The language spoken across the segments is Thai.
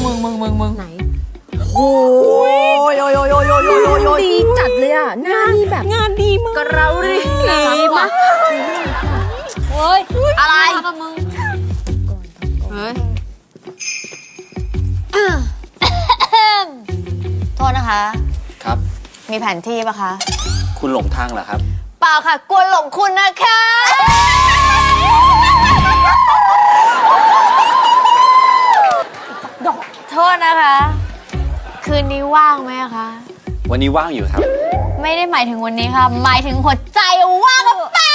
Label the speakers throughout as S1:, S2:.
S1: มึงไหนโอ้ยดีจัดเลยอ่ะงานนี่แบบงานดีมากกระเราดีมากเฮ้ยอะไรกับมึงเฮ้ยโทษนะคะ
S2: ครับ
S1: มีแผนที่ปะคะ
S2: คุณหลงทางเหรอครับ
S1: เปล่าค่ะกลัวหลงคุณนะคะโทษนะคะคืนนี้ว่างไหมคะ
S2: วันนี้ว่างอยู่ครับ
S1: ไม่ได้หมายถึงวันนี้ค่ะหมายถึงหัวใจว่างกับแป๊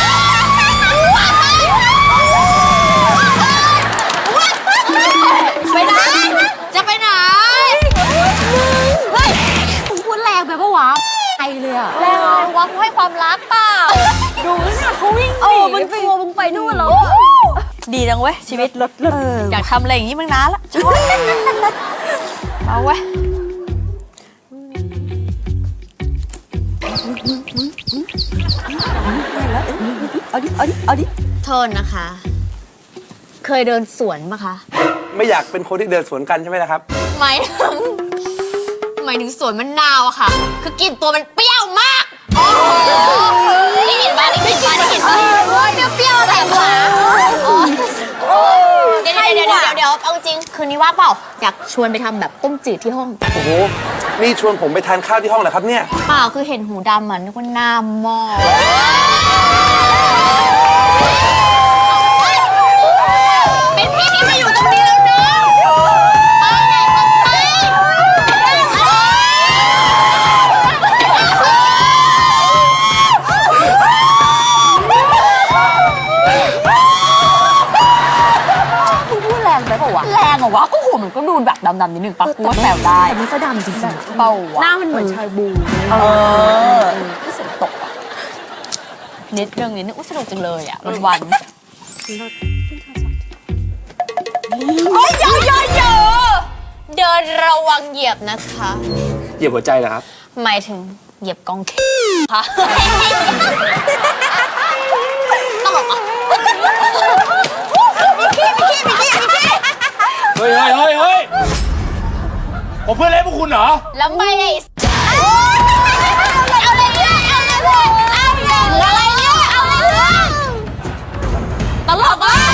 S1: ไปไหนจะไปไหนเฮ้ยมึงพูดแรงไปปะวะไอเลยอะแรงเลยวะมึงให้ความรักเปล่าดูนะเขาวิ่งหนีมึงกลัวมึงไปนู่นแล้วดีจังเว้ยชีวิตลดอยากทำอะไรอย่างนี้มึงนานละชอบเอาเว้ยเอาดิโทษนะคะเคยเดินสวนปะคะ
S3: ไม่อยากเป็นคนที่เดินสวนกันใช่ไหมล่ะครับ
S1: หมายถึงสวนมะนาวอะค่ะคือกลิ่นตัวมันเปรี้ยวมากโอ้ได้กลิ่นบ้าเปรี้ยวอะไรวะเดี๋ยวเอาจริงคืนนี้ว่างเปล่าอยากชวนไปทำแบบต้มจืดที่ห้อง
S3: โอ้โหนี่ชวนผมไปทานข้าวที่ห้องเหรอครับเนี่ย
S1: เปล่าคือเห็นหูดำเหมือนคนหน้าหม้อเป็นพี่ที่มาอยู่ตรงนี้แล้วเนอะไปไหนก็ไปพูดแรงไปเปล่าวะแรงเหรอวะก็หัวมันก็ดูแบบดำๆนิดนึงปะกูว่าแซวได้แต่มันก็ดำจริงๆเปล่าวะหน้ามันเหมือนชายบูที่เสียงตกอ่ะนิดนึงสนุกจังเลยอ่ะวันโอ้ยเดินระวังเหยียบนะคะ
S3: เหยียบหัวใจเหรอครับ
S1: หมายถึงเหยียบกองค่ะตลกอ่ะมีขี้
S3: เฮ้ยผมเพื่อนเล่นพวกคุณเหรอ
S1: แล้วไม่ไอ้เอาเลยตลกอ่ะ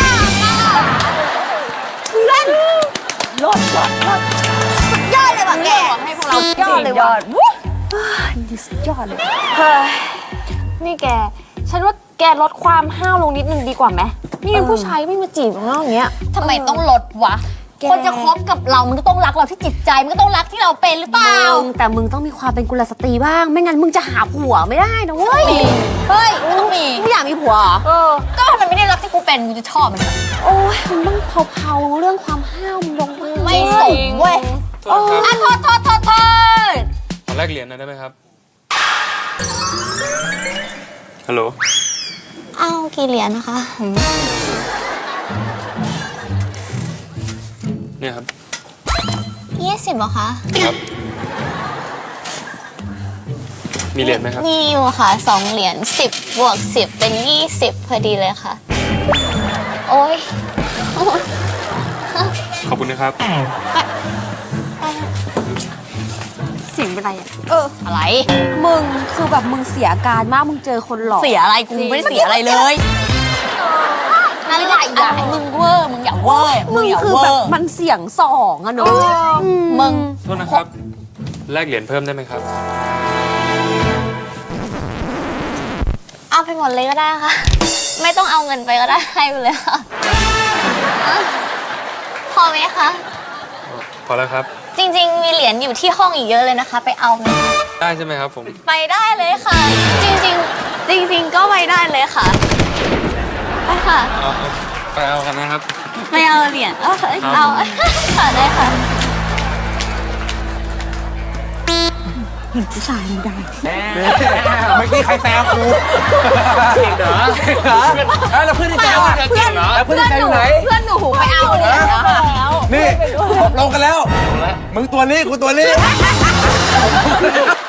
S1: เล่นรถสุดยอดเลยว่ะแกให้พวกเรายอดเลยว่ะดีสุดยอดเลย
S4: นี่แกฉันว่าแกลดความห้าวลงนิดนึงดีกว่าไหมนี่เป็นผู้ชายไม่มาจีบเราอย่างเงี้ย
S1: ทำไมต้องลดวะคนจะคบกับเรามันก็ต้องรักเราที่จิตใจมันก็ต้องรักที่เราเป็นหรือเปล่า
S4: แต่มึงต้องมีความเป็นกุลสตรีบ้างไม่งั้นมึงจะหาผัวไม่ได้นะเว้ย
S1: เฮ้ยต้องมี
S4: กูอยากมีผัว
S1: ก็มันไม่ได้รักที่กูเป็นกูจะชอบมัน
S4: โอ้ยมึงต้องเผาเรื่องความห้าวมึงลง
S1: ไม่สมเว้ยโทษ
S2: ขอแลกเหรียญหน่อยได้ไหมครับฮัลโหล
S1: เอากี่เหรียญนะคะ
S2: เนี่ยครับ
S1: 20เหรอคะ
S2: ครับมีเหรียญไหมครับ
S1: มีอยู่ค่ะ2เหรียญ10บวก10เป็น20พอดีเลยค่ะโอ้ย
S2: ขอบคุณนะครับ
S4: เสียงเป็นไรอ่ะ
S1: อะไร
S4: มึงคือแบบมึงเสียอาการมากมึงเจอคนหลอก
S1: เสียอะไรกูไม่ได้เสียอะไรเลยอะไรอย่าให้มึงเวอร์มึงอย่าเวอร์
S4: มึงคือแบบมันเสียงสองอะเนาะ
S1: มึง
S2: โทษนะครับแลกเหรียญเพิ่มได้ไหมครับ
S1: เอาไปหมดเลยก็ได้ค่ะไม่ต้องเอาเงินไปก็ได้ให้ไปเลยค่ะพอไหมคะ
S2: พอแล้วครับ
S1: จริงๆมีเหรียญอยู่ที่ห้องอีกเยอะเลยนะคะไปเอาไหม
S2: ได้ใช่ไหมครับผม
S1: ไปได้เลยค่ะจริงก็ไปได้เลยค่ะไปค่ะ
S2: ไปเอากันนะครับ
S1: ไม่เอาเหรียญเอาค่ะได้ค่ะ
S4: เห็นผู้ชายไม่ได้
S3: เมื่อกี้ใครแซวกูเก่งเหรอแล้วเพื่อนที่แซวอ่ะแล้วเพื่อนที่แซวอยู่ไหน
S1: เพื่อนหนูไปเอาเหรียญแล้ว
S3: นี่ลงกันแล้วมึงตัวนี้กูตัวนี้